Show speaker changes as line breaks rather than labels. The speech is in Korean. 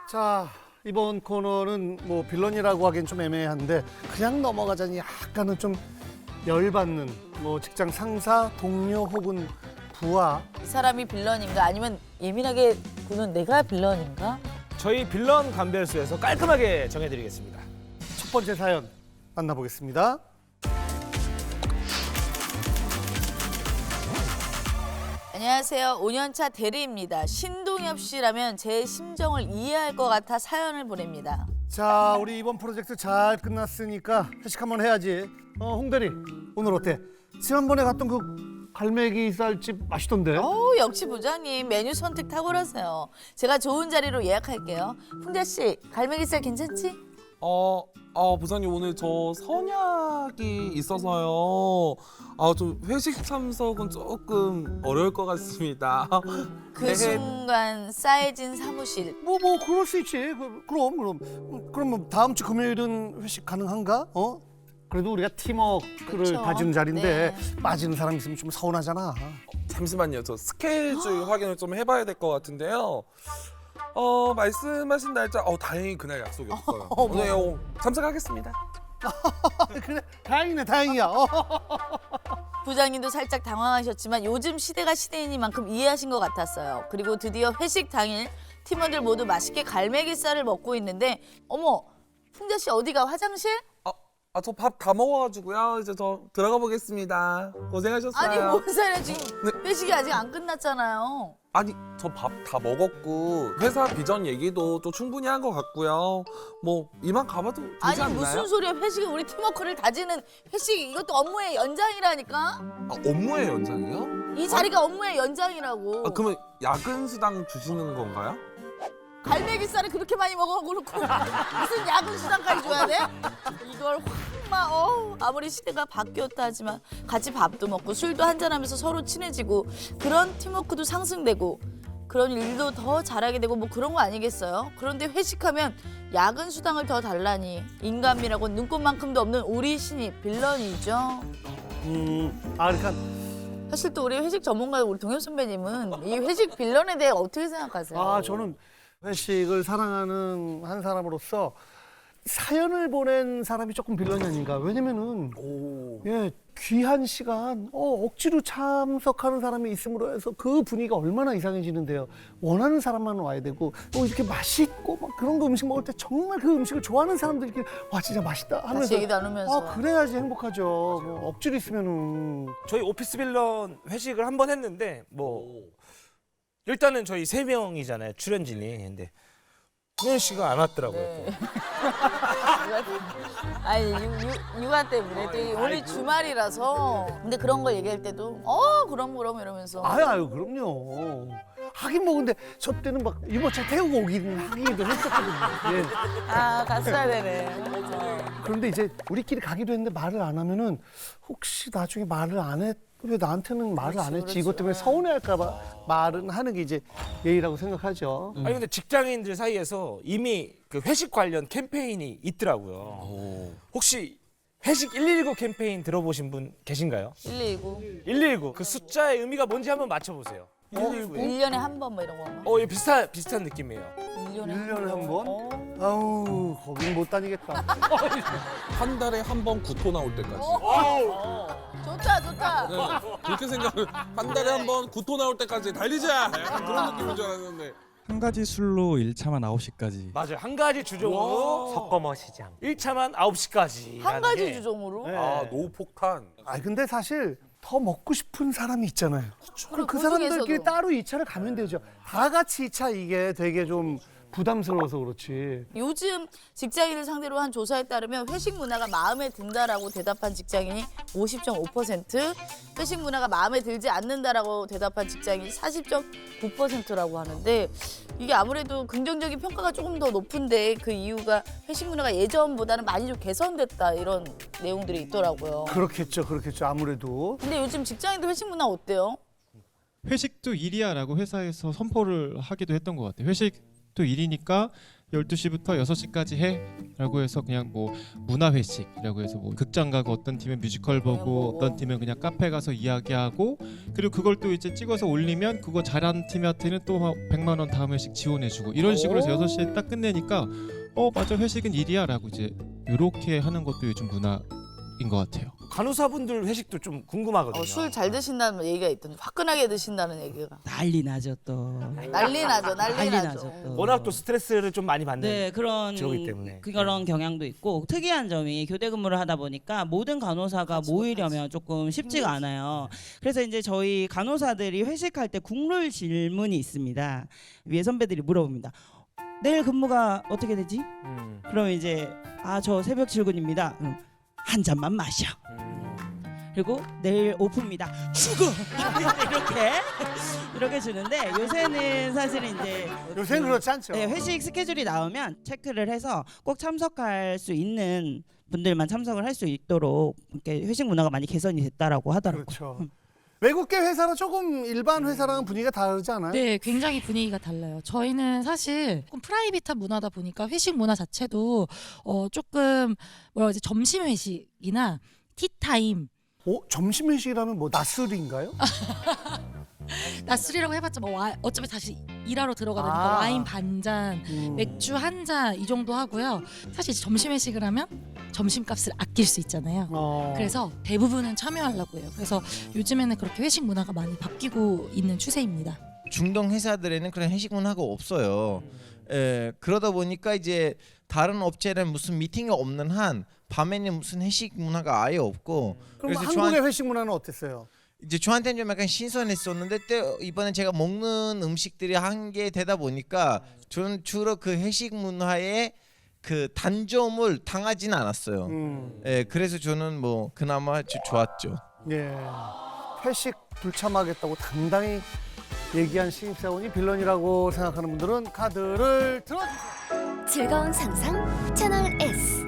자, 이번 코너는 뭐 빌런이라고 하기엔 좀 애매한데 그냥 넘어가자니 약간은 좀 열받는 뭐 직장 상사, 동료 혹은 부하.
이 사람이 빌런인가 아니면 예민하게 구는 내가 빌런인가?
저희 빌런 감별수에서 깔끔하게 정해드리겠습니다.
첫 번째 사연 만나보겠습니다.
안녕하세요. 5년차 대리입니다. 신동엽 씨라면 제 심정을 이해할 것 같아 사연을 보냅니다.
자, 우리 이번 프로젝트 잘 끝났으니까 회식 한번 해야지. 홍대리, 오늘 어때? 지난번에 갔던 그 갈매기 쌀집 맛있던데?
역시 부장님 메뉴 선택 탁월하세요. 제가 좋은 자리로 예약할게요. 풍자 씨, 갈매기살 괜찮지?
부장님 오늘 저 선약이 있어서요. 좀 회식 참석은 조금 어려울 것 같습니다.
그
네.
순간 싸해진 사무실.
뭐 그럴 수 있지. 그럼 다음 주 금요일은 회식 가능한가? 그래도 우리가 팀워크를
그쵸.
다지는 자리인데
네.
빠지는 사람 있으면 좀 서운하잖아.
잠시만요. 저 스케줄 확인을 좀 해봐야 될 것 같은데요. 말씀하신 날짜 다행히 그날 약속이 없어요. 오늘 참석하겠습니다.
그래, 다행이야.
부장님도 살짝 당황하셨지만 요즘 시대가 시대이니만큼 이해하신 것 같았어요. 그리고 드디어 회식 당일 팀원들 모두 맛있게 갈매기살을 먹고 있는데 어머, 풍자 씨 어디가 화장실?
저 밥 다 먹어가지고요. 이제 저 들어가 보겠습니다. 고생하셨어요.
아니 뭔 소리야, 지금 회식이 아직 안 끝났잖아요.
아니 저 밥 다 먹었고 회사 비전 얘기도 또 충분히 한 것 같고요. 뭐 이만 가봐도 되지
아니
않나요?
무슨 소리야, 회식이 우리 팀워크를 다지는 회식, 이것도 업무의 연장이라니까.
업무의 연장이요?
이 자리가 업무의 연장이라고.
그러면 야근 수당 주시는 건가요?
갈매기살을 그렇게 많이 먹어놓고 무슨 야근 수당까지 줘야 돼? 이걸 아무리 시대가 바뀌었다 하지만 같이 밥도 먹고 술도 한잔하면서 서로 친해지고 그런 팀워크도 상승되고 그런 일도 더 잘하게 되고 뭐 그런 거 아니겠어요? 그런데 회식하면 야근 수당을 더 달라니 인간미라고 눈꽃만큼도 없는 우리 신입 빌런이죠.
그러니까
사실 또 우리 회식 전문가 우리 동엽 선배님은 이 회식 빌런에 대해 어떻게 생각하세요?
저는 회식을 사랑하는 한 사람으로서 사연을 보낸 사람이 조금 빌런이 아닌가. 왜냐면은 귀한 시간 억지로 참석하는 사람이 있음으로 해서 그 분위기가 얼마나 이상해지는데요. 원하는 사람만 와야 되고 또 이렇게 맛있고 막 그런 거 음식 먹을 때 정말 그 음식을 좋아하는 사람들끼리 와 진짜 맛있다 하면서
같이 얘기 나누면서.
그래야지 행복하죠. 뭐 억지로 있으면은
저희 오피스 빌런 회식을 한 번 했는데 일단은 저희 3명이잖아요, 출연진이. 근데 홍현 씨가 안 왔더라고요.
네. 아니 육아 때문에 또 오늘 주말이라서. 근데 그런 걸 얘기할 때도 그럼 이러면서.
아유 그럼요. 하긴 뭐 근데 저 때는 막 유모차 태우고 오기는 하기도 했었거든요. 예.
갔어야 되네.
그런데 이제 우리끼리 가기도 했는데 말을 안 하면은 혹시 나중에 말을 안 했, 왜 나한테는 말을 안 했지? 이것 때문에 서운해할까 봐 말은 하는 게 이제 예의라고 생각하죠.
아니 근데 직장인들 사이에서 이미 그 회식 관련 캠페인이 있더라고요. 혹시 회식 119 캠페인 들어보신 분 계신가요?
119.
119 그 숫자의 의미가 뭔지 한번 맞춰보세요. 119.
1년에 한 번 뭐 이런 건가?
예, 비슷한 느낌이에요.
1년에
1년에 한 번? 아우 거긴 못 다니겠다.
한 달에 한 번 구토 나올 때까지.
좋다.
네, 그렇게 생각을 한 달에 한 번 구토 나올 때까지 달리자. 약간 그런 느낌인 줄 알았는데.
한 가지 술로 1차만 9시까지.
맞아요. 한 가지 주종으로 섞어 마시자. 1차만 9시까지.
한 가지 주종으로?
네.
노폭탄.
근데 사실 더 먹고 싶은 사람이 있잖아요. 그럼 그
중에서도.
사람들끼리 따로 2차를 가면 되죠. 다 같이 2차 이게 되게 좀 부담스러워서 그렇지.
요즘 직장인을 상대로 한 조사에 따르면 회식 문화가 마음에 든다라고 대답한 직장인이 50.5%, 회식 문화가 마음에 들지 않는다라고 대답한 직장인이 40.9%라고 하는데 이게 아무래도 긍정적인 평가가 조금 더 높은데 그 이유가 회식 문화가 예전보다는 많이 좀 개선됐다 이런 내용들이 있더라고요.
그렇겠죠. 아무래도.
근데 요즘 직장인들 회식 문화 어때요?
회식도 일이야라고 회사에서 선포를 하기도 했던 것 같아요. 회식도 일이니까
12시부터 6시까지 해 라고 해서 그냥 뭐 문화회식이라고 해서 뭐 극장 가고 어떤 팀은 뮤지컬 보고 어떤 팀은 그냥 카페 가서 이야기하고 그리고 그걸 또 이제 찍어서 올리면 그거 잘하는 팀한테는 또 100만 원 다음 회식 지원해주고 이런 식으로 해서 6시에 딱 끝내니까 맞아 회식은 일이야 라고 이제 이렇게 하는 것도 요즘 문화인 것 같아요.
간호사분들 회식도 좀 궁금하거든요.
술 잘 드신다는 얘기가 있던데 화끈하게 드신다는 얘기가.
난리 나죠 또.
난리 나죠, 난리
난리
나죠.
나죠 또.
워낙 또 스트레스를 좀 많이 받는
네 그런
직업이기 때문에.
그런 경향도 있고 특이한 점이 교대 근무를 하다 보니까 모든 간호사가 모이려면 조금 쉽지가 않아요. 그래서 이제 저희 간호사들이 회식할 때 국룰 질문이 있습니다. 위에 선배들이 물어봅니다. 내일 근무가 어떻게 되지? 그럼 이제 저 새벽 출근입니다. 그럼 한 잔만 마셔. 그리고 내일 오프입니다. 죽어. 이렇게 주는데 요새는 사실은 이제
요새는 그렇지 않죠.
네, 회식 스케줄이 나오면 체크를 해서 꼭 참석할 수 있는 분들만 참석을 할 수 있도록 이렇게 회식 문화가 많이 개선이 됐다라고 하더라고요.
그렇죠. 외국계 회사는 조금 일반 회사랑은 분위기가 다르지 않아요?
네, 굉장히 분위기가 달라요. 저희는 사실 조금 프라이빗한 문화다 보니까 회식 문화 자체도 조금 뭐라 그러지 점심 회식이나 티타임
점심 회식이라면 뭐 낮술인가요?
낮술이라고 해봤자 뭐 어차피 다시 일하러 들어가니까 와인 반잔, 맥주 한 잔 이 정도 하고요. 사실 이제 점심 회식을 하면 점심값을 아낄 수 있잖아요. 그래서 대부분은 참여하려고 해요. 그래서 요즘에는 그렇게 회식 문화가 많이 바뀌고 있는 추세입니다.
중동 회사들에는 그런 회식 문화가 없어요. 그러다 보니까 이제 다른 업체는 무슨 미팅이 없는 한 밤에는 무슨 회식 문화가 아예 없고.
그럼 한국의 회식 문화는 어땠어요?
이제 저한테는 좀 약간 신선했었는데 또 이번에 제가 먹는 음식들이 한 개 되다 보니까 저는 주로 그 회식 문화에 그 단점을 당하지는 않았어요. 그래서 저는 뭐 그나마 좋았죠.
예. 회식 불참하겠다고 당당히 얘기한 신입사원이 빌런이라고 생각하는 분들은 카드를 들어주세요.
즐거운 상상 채널 S.